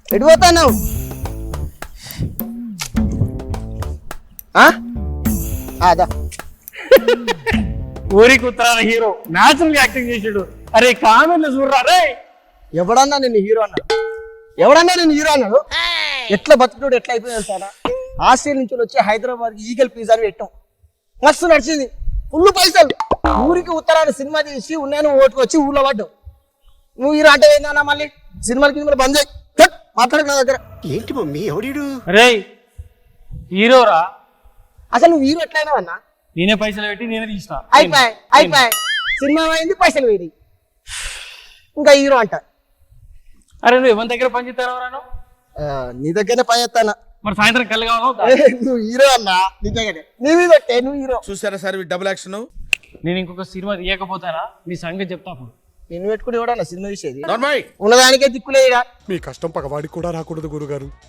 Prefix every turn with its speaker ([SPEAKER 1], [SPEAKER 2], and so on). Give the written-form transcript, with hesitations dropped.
[SPEAKER 1] ఎటు పోతావు? అదా
[SPEAKER 2] ఊరికి ఉత్తరాన హీరో న్యాచురల్ గా యాక్టింగ్ చేసాడు. అరే కామెంట్లు చూడరా రే.
[SPEAKER 1] ఎవడన్నా నేను హీరో అన్నాడు? ఎవడన్నా నేను హీరో అన్నాడు? ఎట్లా బతుకుడు ఎట్లా అయిపోయింది సారా? ఆస్ట్రేలియా నుంచి వచ్చి హైదరాబాద్ ఈగల్ పిజ్జా అని పెట్టాం. మస్తు నడిచింది, ఫుల్ పైసలు. ఊరికి ఉత్తరాన సినిమా తీసి ఉన్నాను ఓటుకు వచ్చి ఊళ్ళో పడ్డావు. నువ్వు హీరో అంటే ఏందన్నా? మళ్ళీ సినిమాలకి బంద్ చేయి. మాట్లాడక నా దగ్గర.
[SPEAKER 3] ఏంటి మమ్మీ ఎవడీడు?
[SPEAKER 2] రే హీరోరా,
[SPEAKER 1] అసలు నువ్వు హీరో ఎట్లయినా అన్నా?
[SPEAKER 2] నేనే పైసలు పెట్టి నేనే తీసిన.
[SPEAKER 1] అయిపోయి సినిమా అయింది, పైసలు పోయి ఇంకా హీరో అంట.
[SPEAKER 2] అరే నువ్వు ఎవరి దగ్గర పని చేస్తాను?
[SPEAKER 1] నీ దగ్గరనే పని చేస్తానా?
[SPEAKER 2] మరి సాయంత్రం కళ్ళు కావాలా?
[SPEAKER 1] నువ్వు హీరో అన్నా, నీ దగ్గరే నీవి పెట్టే నువ్వు హీరో.
[SPEAKER 4] చూసారా సార్ డబుల్ యాక్షన్?
[SPEAKER 2] నేను ఇంకొక సినిమా తీయకపోతానా మీ సంగతి చెప్తా. అప్పుడు
[SPEAKER 1] నిన్ను పెట్టుకుని కూడా సినిమా తీసేది
[SPEAKER 4] నార్మల్
[SPEAKER 1] ఉన్నదానికే దిక్కులేదా?
[SPEAKER 3] మీ కష్టం పగవాడికి కూడా రాకూడదు గురుగారు.